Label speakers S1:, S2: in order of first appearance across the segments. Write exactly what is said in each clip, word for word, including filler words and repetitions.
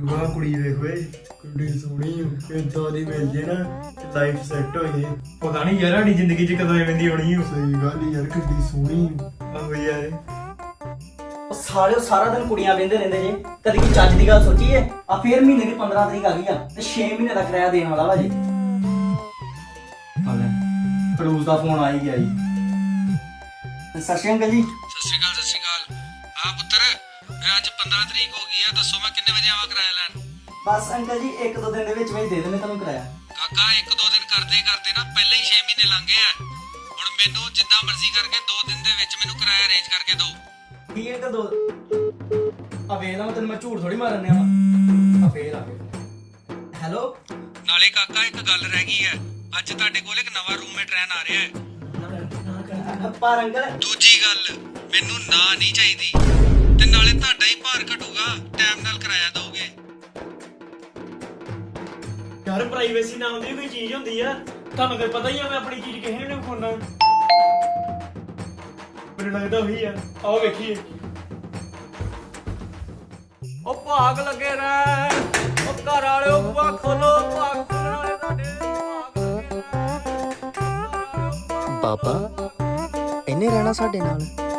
S1: ਵਾਹ ਕੁੜੀ ਵੇਖ ਓਏ ਕਿੰਨੀ ਸੋਹਣੀ ਇਦਾਂ ਦੀ ਮਿਲ ਜੇ ਨਾ ਲਾਈਫ ਸੈੱਟ ਹੋ ਜੇ। ਪਤਾ ਨਹੀਂ ਯਾਰ ਸਾਡੀ ਜ਼ਿੰਦਗੀ 'ਚ ਕਦੋਂ ਐਵੇਂ ਦੀ ਹੋਣੀ। ਸਹੀ ਗੱਲ ਯਾਰ ਕਿੰਨੀ ਸੋਹਣੀ ਆਹੋ ਯਾਰ।
S2: ਉਹ ਸਾਲੇ ਸਾਰਾ ਦਿਨ ਕੁੜੀਆਂ ਵੇਂਦੇ ਰਹਿੰਦੇ ਜੇ, ਕਦੀ ਕੀ ਚੱਜ ਦੀ ਗੱਲ ਸੋਚੀਏ? ਆ ਫੇਰ ਮਹੀਨੇ ਦੀ ਪੰਦਰਾਂ ਤਰੀਕ ਆ ਗਈ ਆ ਤੇ ਛੇ ਮਹੀਨੇ ਦਾ ਕਿਰਾਇਆ ਦੇਣ ਵਾਲਾ ਵਾ ਜੀ। ਹਾਲੇ ਫਰੂਜ਼ ਦਾ ਫੋਨ ਆ ਹੀ ਗਿਆ ਜੀ। ਸਤਿ ਸ਼੍ਰੀ ਅਕਾਲ ਜੀ।
S3: ਸਤਿ ਸ਼੍ਰੀ ਅਕਾਲ ਸਤਿ ਸ਼੍ਰੀ ਅਕਾਲ। ਹਾਂ ਪੁੱਤਰ ਫਿਰ ਅੱਜ ਪੰਦਰਾਂ ਤਰੀਕ ਹੋ ਗਈ ਆ, ਦੱਸੋ ਮੈਂ ਕਿੰਨੇ ਵਜੇ ਆਵਾਂ ਕਿਰਾਇਆ ਲੈਣ?
S2: ਬਸ ਅੰਕਲ ਜੀ ਇੱਕ ਦੋ ਦਿਨ ਦੇ ਵਿੱਚ ਵਿੱਚ ਦੇ ਦੇਣੇ ਤੁਹਾਨੂੰ ਕਿਰਾਇਆ।
S3: ਕਾਕਾ ਇੱਕ ਦੋ ਦਿਨ ਕਰਦੇ ਕਰਦੇ ਨਾ ਪਹਿਲਾਂ ਹੀ ਛੇ ਮਹੀਨੇ ਲੰਘ ਗਏ ਆ। ਹੁਣ ਮੈਨੂੰ ਜਿੱਦਾਂ ਮਰਜ਼ੀ ਕਰਕੇ ਦੋ ਦਿਨ ਦੇ ਵਿੱਚ ਮੈਨੂੰ ਕਿਰਾਇਆ ਅਰੇਂਜ ਕਰਕੇ ਦਿਓ।
S2: ਠੀਕ ਹੈ ਦੋ ਆ ਵੇਖ ਲਾ ਮੈਂ ਤੈਨੂੰ ਮੈਂ ਝੂਠ ਥੋੜੀ ਮਾਰਨ ਡਿਆ ਵਾ। ਆ ਫੇਰ ਆ ਗਿਆ। ਹੈਲੋ
S3: ਨਾਲੇ ਕਾਕਾ ਇੱਕ ਗੱਲ ਰਹਿ ਗਈ ਹੈ, ਅੱਜ ਤੁਹਾਡੇ ਕੋਲ ਇੱਕ ਨਵਾਂ ਰੂਮਮੇਟ ਰਹਿਣ ਆ ਰਿਹਾ ਹੈ।
S2: ਪਰ ਅੰਕਲ
S3: ਦੂਜੀ ਗੱਲ ਮੈਨੂੰ ਨਾ ਨਹੀਂ ਚਾਹੀਦੀ ਤੇ ਨਾਲੇ ਤੁਹਾਡਾ ਹੀ ਭਾਰ ਘਟੂਗਾ, ਟਾਈਮ ਨਾਲ ਕਿਰਾਇਆ ਦੋਗੇ।
S1: ਯਾਰ ਪ੍ਰਾਈਵੇਸੀ ਨਾਮ ਦੀ ਕੋਈ ਚੀਜ਼ ਹੁੰਦੀ ਆ, ਤੁਹਾਨੂੰ ਤਾਂ ਪਤਾ ਹੀ ਆ ਮੈਂ ਆਪਣੀ ਚੀਜ਼ ਕਿਸੇ ਨੂੰ ਨਹੀਂ ਖੋਣਾ। ਮੈਨੂੰ ਲੱਗਦਾ ਉਹੀ ਆ, ਆਓ ਵੇਖੀਏ।
S4: ਉਹ ਭਾਗ ਲੱਗੇ ਰਹਿ, ਉਹ ਘਰ ਵਾਲਿਓ ਬੂਆ ਖੋਲੋ, ਭਾਗ ਖੋਲਣ ਵਾਲੇ ਤੁਹਾਡੇ
S5: ਬਾਬਾ ਇਹਨੇ ਰਹਿਣਾ ਸਾਡੇ ਨਾਲ।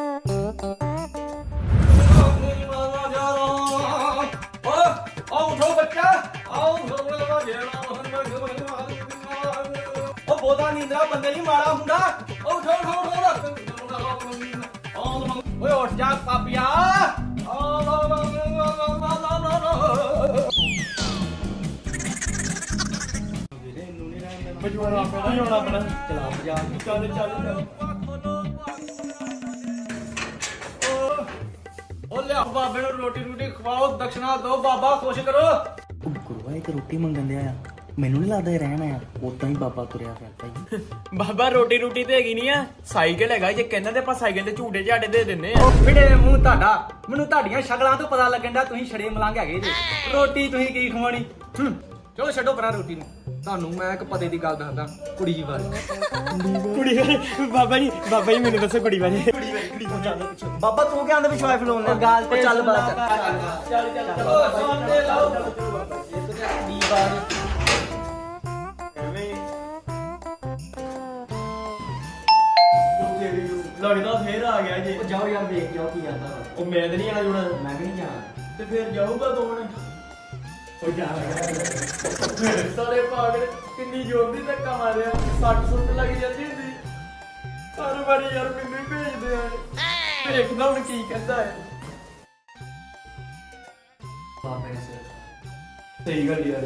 S4: ਆਓ ਉਠੋ ਬੱਚਾ, ਆਓ ਉਹ ਬੋਦਾ ਨੀਂਦਰਾ ਬੰਦੇ ਨਹੀਂ ਮਾਰਾ ਹੁੰਦਾ। ਉਹ ਉਠੋ ਉਠੋ ਉਠੋ ਓਏ ਉੱਠ ਜਾ ਪਾਪੀਆ।
S1: ਮਜਬੂਰ ਆਪਣਾ ਹੀ ਹੋਣਾ ਆਪਣਾ।
S2: ਚਲਾ ਮਜਾ
S1: ਚੱਲ ਚੱਲ ਚੱਲ।
S4: ਉਹ ਲਿਆ ਬਾਬੇ ਨੂੰ ਰੋਟੀ ਰੋਟੀ ਖਵਾਓ, ਦਕਸ਼ਨਾ ਦਿਓ, ਬਾਬਾ ਖੁਸ਼ ਕਰੋ।
S5: ਉਹ ਗੁਰੂਆ ਇੱਕ ਰੋਟੀ ਮੰਗਣ ਦਿਆ ਆ, ਮੈਨੂੰ ਨਹੀਂ ਲੱਗਦਾ ਇਹ ਰਹਿਣਾ ਆ। ਉਦਾਂ ਹੀ ਬਾਬਾ ਤੁਰਿਆ ਫਿਰਦਾ ਹੀ।
S4: ਬਾਬਾ ਰੋਟੀ ਰੋਟੀ ਤੇ ਹੈਗੀ ਨਹੀਂ ਆ, ਸਾਈਕਲ ਹੈਗਾ। ਜੇ ਕਹਿੰਦਾ ਤੇ ਆਪਾਂ ਸਾਈਕਲ ਤੇ ਝੂਟੇ ਝਾੜੇ ਦੇ ਦਿੰਨੇ ਆ।
S2: ਉਹ ਫਿੜੇ ਮੂੰਹ ਤੁਹਾਡਾ, ਮੈਨੂੰ ਤੁਹਾਡੀਆਂ ਸ਼ਕਲਾਂ ਤੋਂ ਪਤਾ ਲੱਗਣ ਦਾ ਤੁਸੀਂ ਛੜੇ ਮਲੰਗ ਹੈਗੇ ਜੀ। ਰੋਟੀ ਤੁਸੀਂ ਕੀ ਖਵਾਣੀ?
S4: ਚਲੋ ਛੱਡੋ ਪਰਾਂ ਰੋਟੀ ਨੂੰ। ਤੁਹਾਨੂੰ ਮੈਂ ਇੱਕ ਪਤੇ ਦੀ ਗੱਲ ਦੱਸਦਾ ਕੁੜੀ ਜੀ ਬਾਰੇ।
S1: ਕੁੜੀ ਵਾਲੇ ਬਾਬਾ ਜੀ, ਬਾਬਾ ਜੀ ਮੈਨੂੰ ਦੱਸੋ ਕੁੜੀ ਵਾਲੇ। ਕੁੜੀ ਵਾਲੀ ਕੁੜੀ ਤੋਂ ਚੱਲ ਪਿੱਛੇ।
S2: ਬਾਬਾ ਤੂੰ ਕਿਹਾਂ ਦੇ ਵਿਸ਼ਵਾਸ ਫਲੋਨ ਲੈ ਗੱਲ ਤੇ ਚੱਲ ਬਾਤ
S4: ਚੱਲ ਚੱਲ ਚਲੋ ਸੌਂਦੇ ਲਾਓ।
S2: ਦੀ ਬਾਤ
S1: ਐਵੇਂ ਲੱਗਦਾ ਫੇਰ ਆ ਗਿਆ ਜੀ।
S2: ਜਾਓ ਯਾਰ ਦੇਖ ਜਾਓ ਕੀ ਜਾਂਦਾ ਵਾ।
S1: ਉਹ ਮੈਂ ਤੇ ਨਹੀਂ ਆਣਾ ਜੁਣਾ
S2: ਮੈਂ ਵੀ ਨਹੀਂ ਜਾਣਾ।
S1: ਤੇ ਫੇਰ ਜਾਊਗਾ ਦੋਣ। ਉਹ ਜਾ ਮੇਰੇ ਸਾਲੇ ਪਾਗਲ ਕਿੰਨੀ ਜ਼ੋਰ ਦੀ ਧੱਕਾ ਮਾਰਿਆ, ਸੱਟ ਸੁੱਟ ਲੱਗ ਜਾਂਦੀ ਹੁੰਦੀ। ਹਰ ਵਾਰੀ ਯਾਰ ਮੈਨੂੰ ਹੀ ਭੇਜਦੇ ਆ। ਦੇਖਦਾ ਹੁਣ ਕੀ ਕਹਿੰਦਾ ਹੈ।
S2: ਬਾਬੇ ਨੇ
S1: ਸਹੀ ਗੱਲ ਯਾਰ।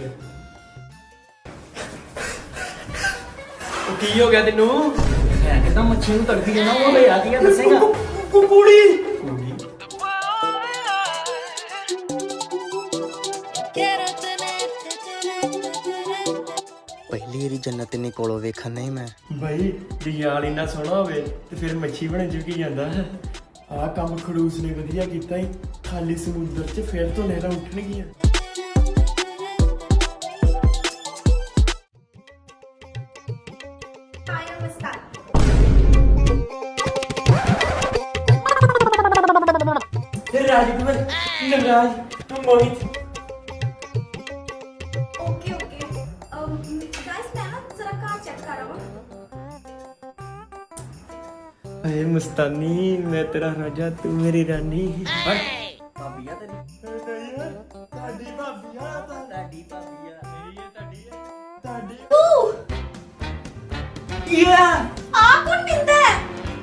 S4: ਉਹ ਕੀ ਹੋ ਗਿਆ ਤੈਨੂੰ?
S2: ਹੈ ਕਿਦਾਂ ਮੱਛੀ ਨੂੰ ਤੜਫੀ ਜਾਂਦਾ ਉਹ ਲੈ ਆ ਕੀ ਦੱਸੇਗਾ?
S1: ਕੁੜੀ
S5: ਪਹਿਲੀ ਵਾਰੀ ਜੰਨਤ ਇੰਨੀ ਕੋਲੋਂ ਵੇਖਣ ਨਹੀਂ ਮੈਂ।
S1: ਭਾਈ ਯਾਰ ਇੰਨਾ ਸੋਹਣਾ ਹੋਵੇ ਤੇ ਫਿਰ ਮੱਛੀ ਬਣ ਚੁੱਕੀ ਜਾਂਦਾ। ਆਹ ਕੰਮ ਖੜੂਸ ਨੇ ਵਧੀਆ ਕੀਤਾ ਹੀ। ਖਾਲੀ ਸਮੁੰਦਰ 'ਚ ਫੇਰ ਤੋਂ ਲਹਿਰਾਂ ਉੱਠਣਗੀਆਂ। ਫਿਰ Rajkumar Navraj Mohit
S6: okay okay guys मैं ना जरा कार चेक कर रहा हूँ।
S1: अरे मुस्तानी मैं तेरा राजा तू मेरी रानी।
S2: ਭਾਬੀ ਆ ਤੇਰੀ?
S1: ਤੁਹਾਡੀ ਭਾਬੀ ਆ
S2: ਤੁਹਾਡੀ ਭਾਬੀ ਆ।
S1: ਮੇਰੀ ਹੈ ਤੁਹਾਡੀ ਹੈ ਤੁਹਾਡੀ।
S2: ਯਾ
S6: आ कौन पिंदा है?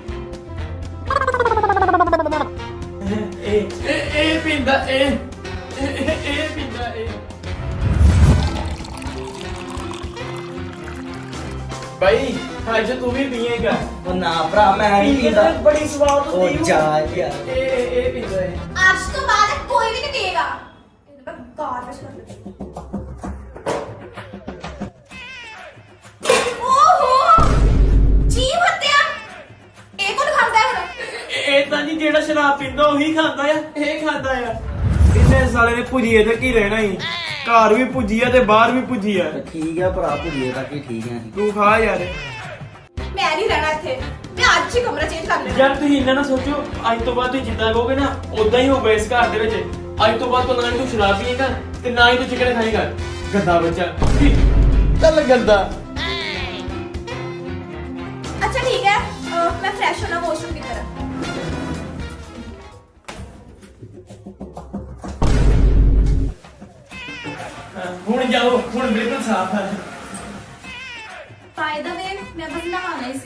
S1: ਇਹ
S4: ਇਹ ਇਹ ਪਿੰਦਾ ਇਹ ਇਹ ਇਹ ਪਿੰਦਾ ਇਹ। ਭਾਈ ਅੱਜ ਤੂੰ ਵੀ ਪੀਏਗਾ?
S2: ਉਹ ਨਾ ਭਰਾ ਮੈਂ ਨਹੀਂ ਪੀਂਦਾ।
S4: ਬੜੀ ਸਵਾਦ
S2: ਉਹ ਜਾ ਯਾਰ।
S4: ਇਹ ਇਹ ਇਹ ਪਿੰਦਾ ਹੈ।
S6: आज तो बाद कोई भी नहीं पिएगा। मैं गार्बेज कर देती हूँ। ओहो जीव हत्या ये कौन खाता है?
S1: ਇਹ ਤਾਂ ਨਹੀਂ ਜਿਹੜਾ ਸ਼ਰਾਬ ਪੀਂਦਾ ਉਹੀ ਖਾਂਦਾ ਆ। ਇਹ ਖਾਂਦਾ ਆ।
S4: ਇਹਨੇ ਸਾਲੇ ਨੇ ਭੁਜੀਏ ਤੇ ਕੀ ਰਹਿਣਾ ਹੀ, ਘਰ ਵੀ ਭੁਜੀਆ ਤੇ ਬਾਹਰ ਵੀ ਭੁਜੀਆ।
S2: ਠੀਕ ਆ ਭਰਾ ਭੁੱਲੀਏ ਤਾਂ ਕੀ ਠੀਕ ਹੈ।
S4: ਤੂੰ ਖਾ ਯਾਰ।
S6: मैं नहीं रहना थे। मैं आज ही कमरा चेंज कर लेना।
S1: ਯਾਰ ਤੁਸੀਂ ਇੰਨਾ ਨਾ ਸੋਚੋ, ਅੱਜ ਤੋਂ ਬਾਅਦ ਤੁਸੀਂ ਜਿੱਦਾਂ ਕਹੋਗੇ ਨਾ ਉਦਾਂ ਹੀ ਹੋਊਗਾ ਇਸ ਘਰ ਦੇ ਵਿੱਚ। ਅੱਜ ਤੋਂ ਬਾਅਦ ਤੋਂ ਨਾ ਹੀ ਤੂੰ ਸ਼ਰਾਬ ਪੀਏਗਾ ਤੇ ਨਾ ਹੀ ਤੂੰ ਚਿਕਨ ਖਾਏਗਾ ਗੰਦਾ ਬੱਚਾ ਚੱਲ ਗੰਦਾ
S6: अच्छा ठीक है अ, मैं फ्रेश होना वॉशरूम की तरफ
S1: ਹੁਣ ਜਾਓ ਹੁਣ ਬਿਲਕੁਲ ਸਾਫ ਹੈ
S6: बाय द वे मैं बस नहाना ही सी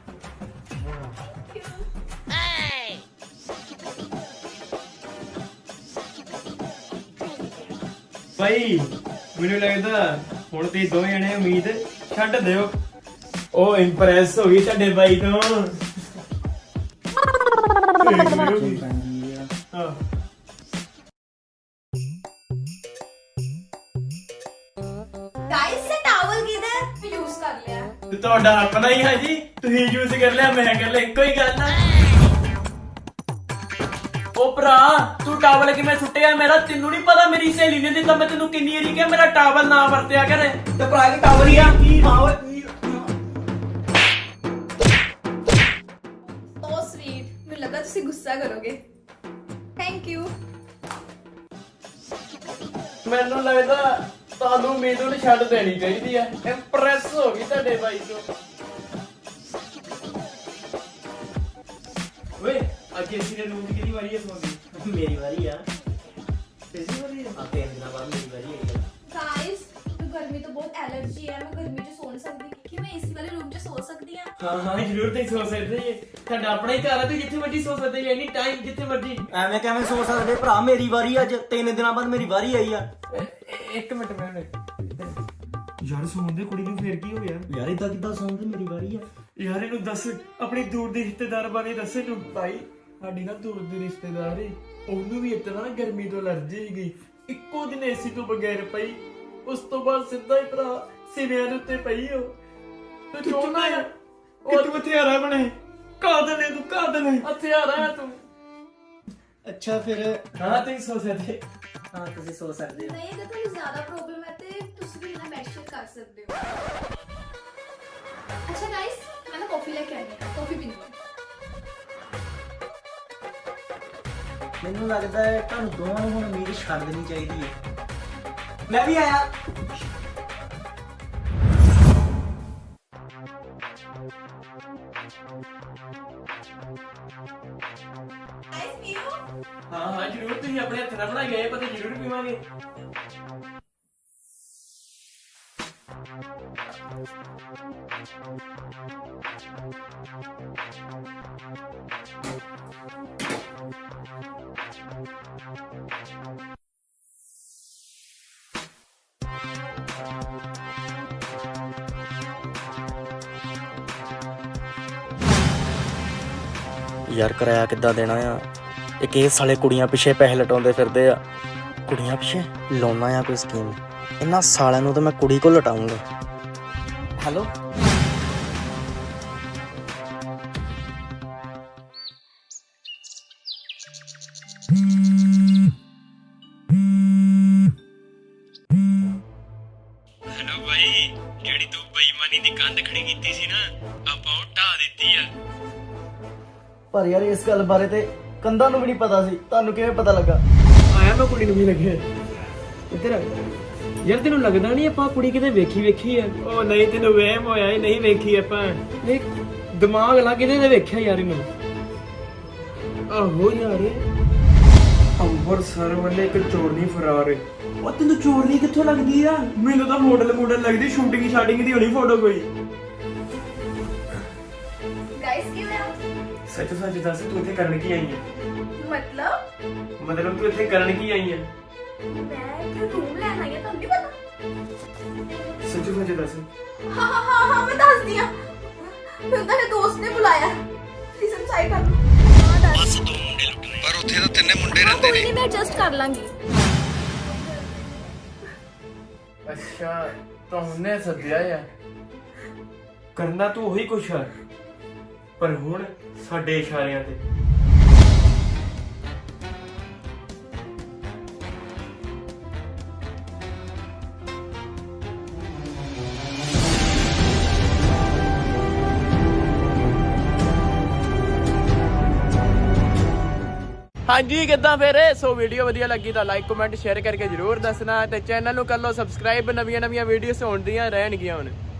S1: ਭਾਈ ਮੈਨੂੰ ਲੱਗਦਾ ਹੁਣ ਤੇ ਦੋਵੇਂ ਜਣੇ ਉਮੀਦ ਛੱਡ ਦਿਓ ਉਹ ਇੰਪ੍ਰੈਸ ਹੋ ਗਈ ਤੁਹਾਡੇ ਬਾਈ ਤੋਂ ਹਾਂ
S6: गाइस से टॉवल किधर यूज कर लिया है
S1: ਤੇ ਤੁਹਾਡਾ ਆਪਣਾ ਹੀ ਹੈ ਜੀ ਤੁਸੀਂ ਯੂਜ਼ ਕਰ ਲਿਆ ਮੈਂ ਕਰ ਲਿਆ ਇੱਕੋ ਹੀ ਗੱਲ ਆ ਉਹ ਭਰਾ ਤੂੰ ਟਾਵਲ ਕਿਵੇਂ ਸੁੱਟਿਆ ਮੇਰਾ ਤੈਨੂੰ ਨਹੀਂ ਪਤਾ ਮੇਰੀ ਸਹੇਲੀ ਨੇ ਦਿੱਤਾ ਮੈਂ ਤੈਨੂੰ ਕਿੰਨੀ ਵਾਰੀ ਕਿਹਾ ਮੇਰਾ ਟਾਵਲ ਨਾ ਵਰਤਿਆ ਕਰ
S2: ਤੇ ਭਰਾ ਕੀ ਟਾਵਲ ਹੀ ਆ ਕੀ ਹਾਂ ਓਏ
S6: ओ स्वीट मुझे लगा तुसी गुस्सा करोगे थैंक यू
S1: ਮੈਨੂੰ ਲੱਗਦਾ ਤੁਹਾਨੂੰ ਉਮੀਦ ਨੂੰ ਛੱਡ ਦੇਣੀ ਚਾਹੀਦੀ ਹੈ ਇੰਪ੍ਰੈਸ ਹੋ ਗਈ ਤੁਹਾਡੇ ਬਾਈ ਤੋਂ ਓਏ ਅੱਜ ਅਸੀਂ ਨੇ ਰੂਮ ਦੀ ਕਿਹਦੀ ਵਾਰੀ ਹੈ ਸੌਂਦੀ
S2: ਮੇਰੀ ਵਾਰੀ ਆ
S1: ਤੇਰੀ ਵਾਰੀ ਹੈ
S2: ਆ ਤਿੰਨ ਦਿਨਾਂ ਬਾਅਦ ਮੇਰੀ ਵਾਰੀ ਆਈ ਆ
S6: गाइस तो गर्मी तो बहुत एलर्जी है मैं गर्मी च सो नहीं सकती कि मैं एसी वाले रूम च सो सकती हां
S1: ਹਾਂ ਹਾਂ ਜ਼ਰੂਰ ਤੇ ਸੋ ਸਕਦੇ ਜੀ ਤੁਹਾਡਾ ਆਪਣਾ ਹੀ ਘਰ ਹੈ ਤੇ ਜਿੱਥੇ ਮਰਜੀ ਸੋ ਸਕਦੇ ਜੀ ਐਨੀ ਟਾਈਮ ਜਿੱਥੇ ਮਰਜੀ
S2: ਐਵੇਂ ਕਿਵੇਂ ਸੋਚ ਸਕਦੇ ਭਰਾ ਮੇਰੀ ਵਾਰੀ ਅੱਜ ਤਿੰਨ ਦਿਨਾਂ ਬਾਅਦ ਮੇਰੀ ਵਾਰੀ ਆਈ ਆ
S1: ਇੱਕ ਮਿੰਟ ਮੈਂ ਯਾਰ ਸੌਣ ਦੇ ਕੁੜੀ ਨੂੰ ਫੇਰ ਕੀ ਹੋ ਗਿਆ
S2: ਯਾਰ ਇਦਾਂ ਕਿੱਦਾਂ ਸੌਂਦੇ ਮੇਰੀ ਵਾਰੀ ਆ
S1: ਯਾਰ ਇਹਨੂੰ ਦੱਸ ਆਪਣੀ ਦੂਰ ਦੇ ਰਿਸ਼ਤੇਦਾਰ ਬਾਰੇ ਦੱਸ ਇਹਨੂੰ ਭਾਈ ਸਾਡੀ ਨਾ ਦੂਰ ਦੀ ਰਿਸ਼ਤੇਦਾਰ ਏ ਉਹਨੂੰ ਵੀ ਇਤਨਾ ਨਾ ਗਰਮੀ ਤੋਂ ਅਲਰਜੀ ਗਈ ਇੱਕੋ ਦਿਨ ਏਸੀ ਤੋਂ ਬਗੈਰ ਪਈ ਉਸ ਤੋਂ ਬਾਅਦ ਸਿੱਧਾ ਹੀ ਭਰਾ ਸਿਵਿਆਂ ਦੇ ਉੱਤੇ ਪਈ ਉਹ ਤੂੰ ਚੋਣਾ ਆ ਉਹ ਤੂੰ ਹਥਿਆਰਾ ਬਣੇ ਕਾਦਲ ਨੇ ਤੂੰ ਕਾਦਲ ਨੇ ਹਥਿਆਰਾ ਹੈ ਤੂੰ
S2: ਅੱਛਾ ਫਿਰ
S1: ਹਾਂ ਤੂੰ ਸੋ ਸਕਦੇ
S2: ਹਾਂ ਤੁਸੀਂ ਸੋਚ ਸਕਦੇ ਹੋ
S6: नहीं अगर तुम्हें ज्यादा प्रॉब्लम है तो तुसी भी मेरा बेड शेयर कर सकते हो अच्छा गाइस मैं ना कॉफी लेके आई हूं कॉफी पीनी है
S2: ਮੈਨੂੰ ਲੱਗਦਾ ਹੈ ਤੁਹਾਨੂੰ ਦੋਵਾਂ ਨੂੰ ਹੁਣ ਉਮੀਦ ਛੱਡ ਦੇਣੀ ਚਾਹੀਦੀ ਹੈ ਮੈਂ ਵੀ ਆਇਆ
S6: गाइस पियो
S1: ਹਾਂ ਹਾਂ ਜ਼ਰੂਰ ਤੁਸੀਂ ਆਪਣੇ ਹੱਥ ਨਾਲ ਬਣਾਈ ਗਏ ਪਤਾ ਜ਼ਰੂਰ ਪੀਵਾਂਗੇ
S5: ਯਾਰ ਕਿਰਾਇਆ ਕਿੱਦਾਂ ਦੇਣਾ ਆ ਇੱਕ ਇਹ ਸਾਲੇ ਕੁੜੀਆਂ ਪਿੱਛੇ ਪੈਸੇ ਲਟਾਉਂਦੇ ਫਿਰਦੇ ਆ ਕੁੜੀਆਂ ਪਿੱਛੇ ਲਾਉਣਾ ਆ ਕੋਈ ਸਕੀਮ ਇਹਨਾਂ ਸਾਲਿਆਂ ਨੂੰ ਤਾਂ ਮੈਂ ਕੁੜੀ ਕੋਲ ਲਟਾਉਂਗਾ ਹੈਲੋ
S3: ਹੈਲੋ ਬਾਈ ਜਿਹੜੀ ਤੂੰ ਬੇਈਮਾਨੀ ਦੀ ਕੰਧ ਖੜੀ ਕੀਤੀ ਸੀ ਨਾ ਆਪਾਂ ਉਹ ਢਾਹ ਦਿੱਤੀ ਆ
S2: ਪਰ ਯਾਰ ਇਸ ਗੱਲ ਬਾਰੇ ਤੇ ਕੰਧਾਂ ਨੂੰ ਵੀ ਨਹੀਂ ਪਤਾ ਸੀ ਤੁਹਾਨੂੰ ਕਿਵੇਂ ਪਤਾ ਲੱਗਾ
S1: ਆਇਆ ਮੈਂ ਕੁੜੀ ਨੂੰ ਵੀ ਲੱਗਿਆ ਇੱਧਰ ਆ ਯਾਰ ਤੈਨੂੰ ਲੱਗਦਾ ਨਹੀਂ ਆਪਾਂ ਕੁੜੀ ਕਿਤੇ ਵੇਖੀ ਵੇਖੀ ਆ ਉਹ ਨਹੀਂ ਤੈਨੂੰ ਵਹਿਮ ਹੋਇਆ ਹੀ ਨਹੀਂ ਵੇਖੀ ਆਪਾਂ ਨਹੀਂ ਦਿਮਾਗ ਲਾ ਕਿਤੇ ਤੇ ਵੇਖਿਆ ਯਾਰ ਇਹਨੂੰ ਆਹੋ ਯਾਰ ਅੰਬਰਸਰ ਵੱਲੇ ਇੱਕ ਚੋਰਨੀ ਫਰਾਰ ਏ
S2: ਉਹ ਤੈਨੂੰ ਚੋਰਨੀ ਕਿੱਥੋਂ ਲੱਗਦੀ ਆ
S1: ਮੈਨੂੰ ਤਾਂ ਮਾਡਲ ਮਾਡਲ ਲੱਗਦੀ ਸ਼ੂਟਿੰਗ ਸ਼ਾਟਿੰਗ ਦੀ ਹੋਣੀ ਫੋਟੋ ਕੋਈ
S6: गाइस क्यों है
S1: ਸੱਚ ਸੱਚ ਦੱਸ ਤੂੰ ਇੱਥੇ ਕਰਨ ਕੀ ਆਈ ਹੈ
S6: मतलब
S1: ਮਤਲਬ ਤੂੰ ਇੱਥੇ ਕਰਨ ਕੀ ਆਈ ਹੈ
S6: मैं इधर रूम लेना है तो नहीं पता
S1: ਸੱਚ ਸੱਚ ਦੱਸ
S6: हाँ हाँ हाँ हाँ मैं दस दिया फिर तेरे दोस्त ने बुलाया प्लीज हम साइड कर लो हाँ दस
S3: ਦੋ ਮੁੰਡੇ ਲੁੱਟਣੇ ਪਰ ਉੱਥੇ ਤਾਂ ਤਿੰਨੇ ਮੁੰਡੇ
S6: हाँ
S3: ਰਹਿੰਦੇ
S6: कोई
S3: ਨੇ
S6: नहीं मैं एडजस्ट कर लांगी
S1: ਅੱਛਾ ਤਾਂ ਉਹਨੇ ਸੱਦਿਆ ਆ ਕਰਨਾ ਤੂੰ ਉਹੀ ਕੁਛ ਆ ਪਰ ਹੁਣ ਸਾਡੇ ਇਸ਼ਾਰਿਆਂ ਤੇ ਹਾਂਜੀ ਕਿੱਦਾਂ ਫਿਰ ਸੋ ਵੀਡੀਓ ਵਧੀਆ ਲੱਗੀ ਤਾਂ ਲਾਈਕ ਕਮੈਂਟ ਸ਼ੇਅਰ ਕਰਕੇ ਜਰੂਰ ਦੱਸਣਾ ਤੇ ਚੈਨਲ ਨੂੰ ਕਰ ਲਓ ਸਬਸਕ੍ਰਾਈਬ ਨਵੀਆਂ ਨਵੀਆਂ ਵੀਡੀਓਜ਼ ਹੋਣ ਦੀਆਂ ਰਹਿਣਗੀਆਂ ਹੁਣ